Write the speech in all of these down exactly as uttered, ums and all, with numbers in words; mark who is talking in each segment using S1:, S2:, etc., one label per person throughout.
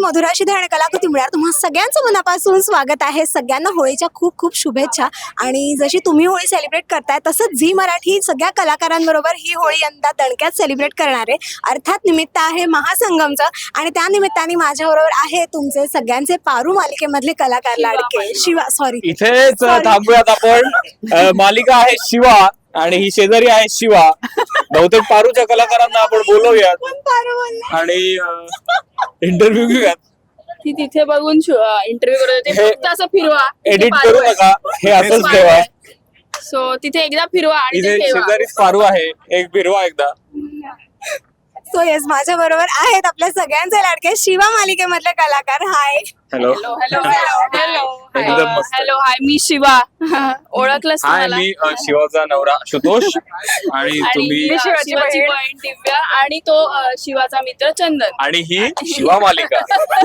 S1: मधुरा शिधे आणि कलाकृती मिळणार तुम्हा सगळ्यांचं मनापासून स्वागत आहे. सगळ्यांना होळीच्या खूप खूप शुभेच्छा. आणि जशी तुम्ही होळी सेलिब्रेट करताय तसंच झी मराठी सगळ्या कलाकारांबरोबर ही होळी यंदा दणक्यात सेलिब्रेट करणार आहे. अर्थात निमित्त आहे महासंगमचं आणि त्या निमित्ताने माझ्याबरोबर आहे तुमचे सगळ्यांचे पारू मालिकेमधले कलाकार लाडके शिवा. सॉरी
S2: इथेच थांबूयात आपण. अ, मालिका आहे शिवा आणि ही शेजारी आहे शिवा. बहुतेक पारूच्या कलाकारांना आपण बोलवूयात आणि इंटरव्ह्यू घेऊयात.
S3: ती तिथे बघून इंटरव्ह्यू करत होते.
S2: हे
S3: फक्त असं फिरवा,
S2: एडिट करू नका, हे असंच ठेवा.
S3: सो तिथे एकदा फिरवा आणि
S2: इथे
S3: ते ठेवा.
S2: शेजारीच पारू आहे, एक फिरवा एकदा.
S1: सो येस माझ्या बरोबर आहेत आपल्या सगळ्यांचे लाडके शिवा मालिकेमधले कलाकार. Hi.
S2: Hello
S3: hello hello hello
S2: एकदम मस्त.
S3: हॅलो हाय, मी शिवा. ओळखलंस
S2: हाय,
S3: तुम्हाला?
S2: मी अ, शिवाचा नवरा आशुतोष आणि
S3: आणि
S2: तुम्ही
S3: अ, शिवाची बहीण दिव्या आणि तो अ, शिवाचा मित्र चंदन.
S2: आणि ही शिवा मालिका.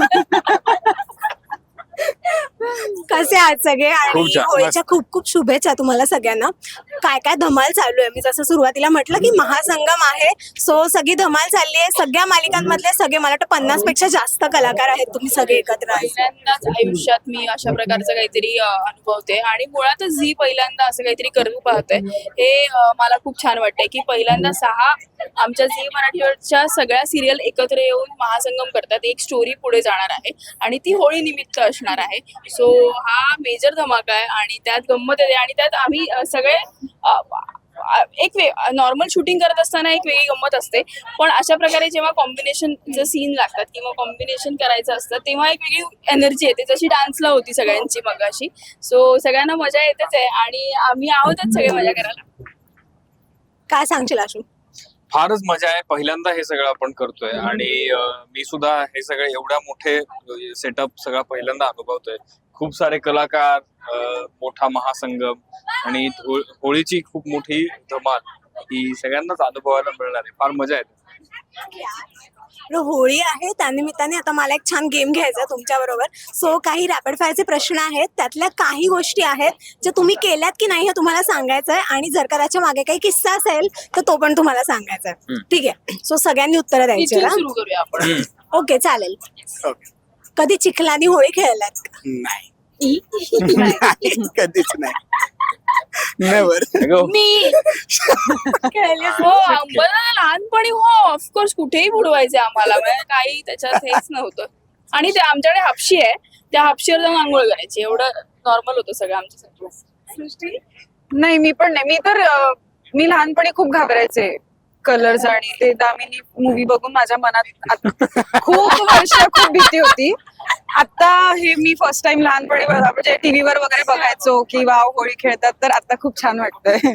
S1: कसे आहात सगळे?
S2: खूप
S1: आणि
S2: छान,
S1: होळीच्या खूप खूप शुभेच्छा तुम्हाला सगळ्यांना. काय काय धमाल चालू आहे. मी जसं सुरुवातीला म्हटलं की महासंगम आहे, सो सगळी धमाल चालली आहे. सगळ्या मालिकांमधले सगळे मला वाटतं पन्नास पेक्षा जास्त कलाकार आहेत तुम्ही सगळे एकत्र आहे.
S3: पहिल्यांदाच आयुष्यात मी अशा प्रकारचं काहीतरी अ, अनुभवते आणि मुळातच झी पहिल्यांदा असं काहीतरी करू पाहते. हे अ, मला खूप छान वाटतंय की पहिल्यांदा सहा आमच्या झी मराठीवरच्या सगळ्या सिरियल एकत्र येऊन महासंगम करतात. एक स्टोरी पुढे जाणार आहे आणि ती होळी निमित्त असणार आहे. सो हा मेजर धमाका आहे आणि त्यात गंमत येते आणि त्यात आम्ही अ, सगळे अ, अ, एक नॉर्मल शूटिंग करत असताना एक वेगळी गंमत असते, पण अशा प्रकारे जेव्हा कॉम्बिनेशनचे सीन लागतात किंवा कॉम्बिनेशन करायचं असतं तेव्हा एक वेगळी एनर्जी येते, जशी डान्सला होती सगळ्यांची मगाशी. सो सगळ्यांना मजा येतेच आहे आणि आम्ही आहोतच सगळे मजा करायला.
S1: काय सांगशील आशू?
S2: फारच मजा आहे. पहिल्यांदा हे सगळं आपण करतोय आणि अ, मी सुद्धा हे सगळे एवढ्या मोठे सेटअप सगळा पहिल्यांदा अनुभवतोय. खूप सारे कलाकार, अ, मोठा महासंगम आणि हो- होळीची खूप मोठी धमाल ही सगळ्यांनाच अनुभवायला मिळणार आहे. फार मजा येते.
S1: आपलं होळी आहे त्यानिमित्ताने आता मला एक छान गेम घ्यायचा तुमच्या बरोबर. सो काही रॅपिड फायरचे प्रश्न आहेत, त्यातल्या काही गोष्टी आहेत ज्या तुम्ही केल्यात की नाही हे तुम्हाला सांगायचं आहे आणि जर का त्याच्या मागे काही किस्सा असेल तर तो पण तुम्हाला सांगायचा आहे. ठीक आहे? सो सगळ्यांनी उत्तरं द्यायची
S3: इथून
S1: ना?
S3: सुरू करूया आपण.
S1: ओके चालेल. कधी चिखलानी होळी खेळलात का?
S4: नाही कधीच नाही. नेवर.
S2: अगं,
S3: मी हो आम्हाला लहानपणी हो ऑफकोर्स कुठेही बुडवायचे आम्हाला, म्हणजे काही त्याच्यात हेच नव्हतं. आणि ते आमच्याकडे हापशी आहे, त्या हापशीवर जाऊन आंघोळ करायची, एवढं नॉर्मल होतं सगळं आमच्यासाठी.
S5: नाही मी पण नाही. मी तर अं, मी लहानपणी खूप घाबरायचे कलर्स आणि ते दामिनी मूवी बघून माझ्या मनात आत- खूप वर्ष खूप भीती होती. आता हे मी फर्स्ट टाइम लहानपणी बघा- म्हणजे टीव्हीवर वगैरे बघायचो की वाव होळी खेळतात, तर आता खूप छान वाटतंय.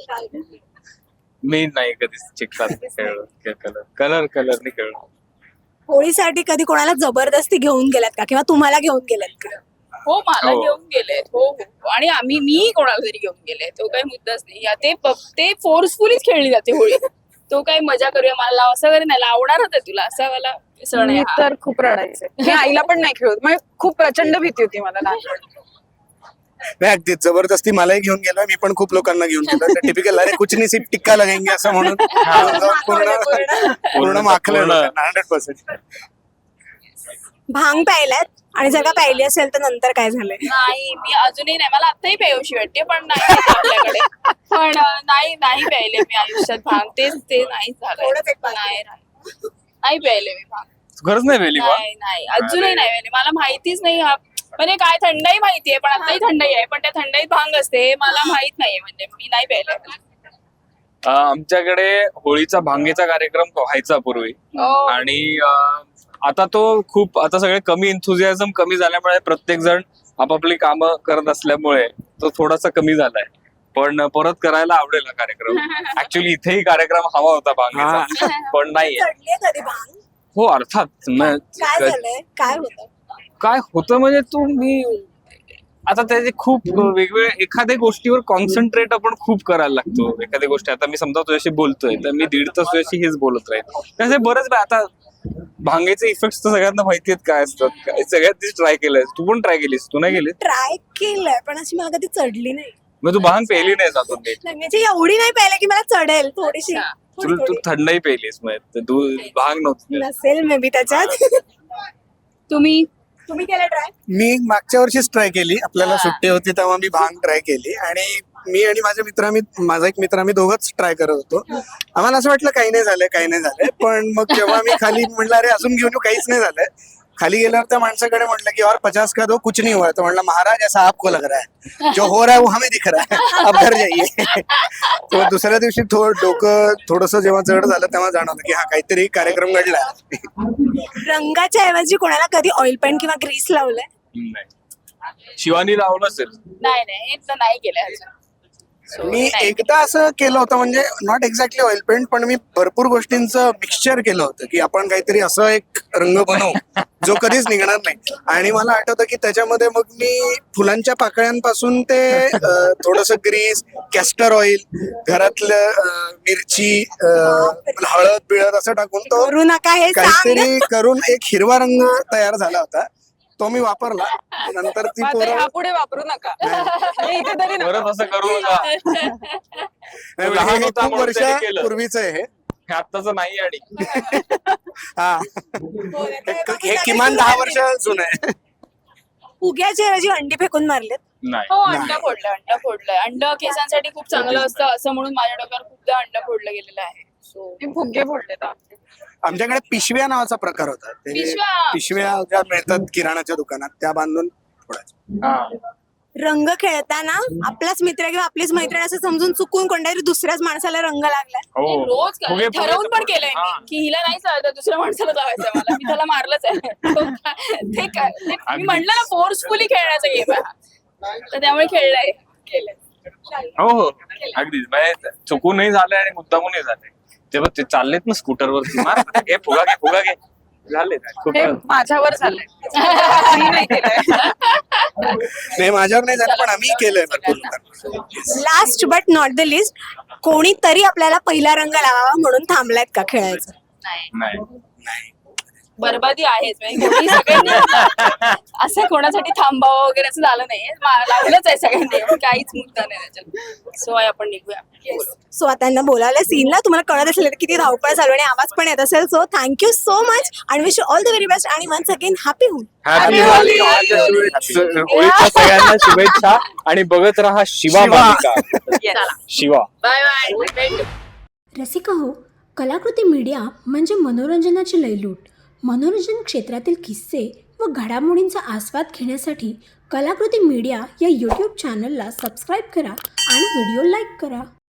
S2: मी नाही कधीच चिखलात खेळलो. कलर कलर कलरनी खेळलो.
S1: होळीसाठी कधी कोणाला जबरदस्ती घेऊन गेलात का किंवा तुम्हाला घेऊन गेलात का?
S3: हो मला
S2: हो.
S3: घेऊन गेले. हो हो आणि आम्ही मी कोणाला तरी घेऊन गेले, तो काही मुद्दाच नाही. या ते प- ते फोर्सफुलीच खेळली जाते होळी. तो काही मजा करूया मला लाव असं वगैरे नाही, लावणारच आहे तुला असा वाला सण आहे
S5: मी
S3: हा.
S5: तर खूप रडायचे. मी आईला पण नाही खेळत, म्हणजे खूप प्रचंड भीती होती मला लहानपणी.
S4: नाही अगदी जबरदस्ती मलाही घेऊन गेलो. मी पण खूप लोकांना घेऊन गेलो. टिपिकल अरे कुछ नाही सिर्फ टिक्का लगेंगे असं म्हणून घेऊन जाऊन पूर्ण पूर्ण माखलं हंड्रेड पर्सेंट.
S1: भांग प्यायलात आणि जर का प्यायली असेल तर नंतर काय झालंय?
S3: नाही मी अजूनही नाही, मला आत्ताही प्यायोशी वाटते पण नाही आहे आपल्याकडे. पण अं, नाही नाही प्यायले मी आयुष्यात भांग, तेच ते नाही झालं.
S1: थोडंच एक बाकी.
S3: नाही नाही नाही प्यायले मी भांग.
S2: खरंच नाही वेली बा.
S3: नाही नाही अजूनही नाही प्यायले. मला माहितीच नाही हा म्हणजे काय. थंडाई माहितीये पण आताही थंडाई आहे, पण त्या थंडाईत भांग असते हे मला माहित नाहीये, म्हणजे मी नाही प्यायले.
S2: अ, आमच्याकडे होळीचा भांगेचा कार्यक्रम व्हायचा पूर्वी
S3: हो.
S2: आणि अ, आता तो खूप आता सगळे कमी एन्थुझियाझम कमी झाल्यामुळे प्रत्येक जण आपापली कामं करत असल्यामुळे तो थोडासा कमी झालाय. पण परत करायला आवडेल हा कार्यक्रम. ऍक्च्युली इथेही कार्यक्रम हवा होता भांगेचा पण नाहीये.
S1: चढलीये कधी भांग?
S2: हो अर्थात. म-
S1: काय झालंय? काय होतं?
S2: काय होतं म्हणजे तू मी आता त्याचे खूप वेगवेगळे एखाद्या गोष्टीवर कॉन्सन्ट्रेट आपण खूप करायला लागतो. एखाद्या गोष्टी आता मी समजा तुझ्याशी बोलतोय तर मी दीड तास तुझ्याशी हेच बोलत राहील. त्याचे बरेच वेळा आता भांगेचे इफेक्ट तर सगळ्यांना माहिती आहेत काय असतात. काय सगळ्यात ट्राय केलंय. तू पण ट्राय केलीस? तू नाही केलीस?
S1: ट्राय केलंय पण अशी मला कधी चढली नाही.
S2: मग तू भांग पेली नाही जातो नीट.
S1: नाही, म्हणजे एवढी नाही प्यायला की मला चढेल. थोडीशी
S3: अच्छा.
S1: थोडी-
S2: तू तू
S1: थोडी.
S2: थंडही पेलीस मग तू भांग नव्हती.
S1: नसेल मे बी त्याच्यात.
S3: तुम्ही
S1: तुम्ही केलं ट्राय
S4: मी मागच्या वर्षीच ट्राय केली, आपल्याला
S3: हा.
S4: सुट्टी होती तेव्हा मी भांग ट्राय केली आणि मी आणि माझे मित्र आम्ही माझा एक मित्र आम्ही दोघंच ट्राय करत होतो. आम्हाला असं वाटलं काही नाही झालंय काही नाही झालंय, पण मग जेव्हा मी खाली म्हटलं अरे अजून घेऊन येऊ, काहीच नाही झालंय. खाली गेल्यावर त्या माणसाकडे म्हटलं की और पचास का दो कुछ नहीं हुआ. तो म्हणलं महाराज ऐसा आपको लग रहा है, जो हो रहा है वो हमें दिख रहा है, अब घर जाइए. तो दुसऱ्या दिवशी थोडं डोकं थोडस जेव्हा जड झालं तेव्हा जाणवलं की हा काहीतरी कार्यक्रम घडला.
S1: रंगाच्या ऐवजी कोणाला कधी ऑइल पेंट किंवा ग्रीस लावलंय?
S2: नाही, शिवानी लावलं असेल.
S3: नाही नाही हे तर नाही केलंय अजून. So,
S4: मी
S3: नाही.
S4: एकदा असं केलं होतं, म्हणजे नॉट एक्झॅक्टली ऑइल पेंट, पण मी भरपूर गोष्टींचं मिक्सचर केलं होतं की आपण काहीतरी असं एक रंग बनवू जो कधीच निघणार नाही. आणि मला आठवतं की त्याच्यामध्ये मग मी फुलांच्या पाकळ्यांपासून ते थोडस ग्रीस, कॅस्टर ऑइल, घरातलं अं, मिरची, अं, हळद बिळद असं टाकून तो
S1: करू नका हे सांग.
S4: काहीतरी करून एक हिरवा रंग तयार झाला होता. तो मी वापरला. नंतर ती
S5: मात्र
S4: पोरं
S5: ह्यापुढे वापरू नका. हे इथे तरी नका.
S2: परत असं करू नका.
S4: नाही,
S2: लहान
S4: हे
S2: होता
S4: खूप
S2: म्हणून त्याने केलं.
S4: वर्षापूर्वीच आहे हे.
S2: हे आत्ताच नाही आणि
S4: हा हे- हे किमान दहा वर्ष जुनं आहे.
S1: उग्याच्या ऐवजी अंडी फेकून मारलेत.
S2: नाही.
S3: हो अंड फोडलंय अंड फोडलंय अंड केसांसाठी खूप चांगलं असतं असं म्हणून माझ्या डोक्यावर खूपदा अंड फोडलं गेलेलं आहे. सो
S5: मी फुगे फोडले तर.
S4: आमच्याकडे पिशव्या नावाचा प्रकार होता. ते
S3: पिशव्या?
S4: पिशव्या ज्या मिळतात किराणाच्या दुकानात त्या बांधून फोडायच्या.
S2: हा.
S1: रंग खेळताना आपलाच मित्र किंवा आपलीच मैत्रीण असं समजून चुकून कोणत्यातरी दुसऱ्याच माणसाला रंग लागलाय.
S2: हो.
S3: रोज काय-
S2: फुगे-
S3: ठरवून
S2: फुगे-
S3: पण केलंय
S2: हा.
S3: मी की हिला नाही चालत दुसऱ्या माणसाला लावायचं मला मी त्याला मारलंच आहे. तो काय- ते काय ते मी म्हटलं ना फोर्सफुली खेळण्याचा गेम आहे हा. तर त्यामुळे खेळलाय केलंय.
S2: हो हो अगदीच म्हणजे चुकूनही झालंय आणि मुद्दामूनही झालंय. तेव्हा ते चाललेत ना स्कूटरवरती, मार घे फुगा घे फुगा घे झाले खूप.
S5: हे माझ्यावर झालंय. मी नाही केलंय.
S4: नाही माझ्यावर नाही झालं, पण आम्ही केलंय भरपूर लोकांना.
S1: Last but not the least, कोणीतरी आपल्याला पहिला रंग लावावा म्हणून थांबलायत का खेळायचं?
S3: नाही
S2: नाही.
S3: बरबादी आहेच म्हणजे कोणी सगळ्यांनी असं कोणासाठी थांबावं वगैरे असं झालं नाहीये मा- लावलंच आहे सगळ्यांनी मग काहीच मुद्दा नाही त्याच्यात. सो आपण निघूया.
S1: सो आता त्यांना बोलावलं सीनला, तुम्हाला कळत असेल तर किती धावपळ चालू आणि आवाज पण येत असेल. सो थँक्यू सो मच आणि wish all the very best आणि once again happy home.
S2: Happy
S3: Happy
S2: Holi.
S3: Holi.
S2: होळीच्या सगळ्यांना शुभेच्छा आणि बघत राहा शिवा
S4: शिवा.
S2: मालिका.
S3: चला
S2: शिवा.
S3: Bye bye.
S6: रसिका हो, कलाकृती मीडिया म्हणजे मनोरंजनाची लयलूट. मनोरंजन क्षेत्रातील किस्से व घडामोडींचा आस्वाद घेण्यासाठी कलाकृती मीडिया या यूट्यूब चॅनलला सबस्क्राईब करा आणि व्हिडिओ लाईक करा.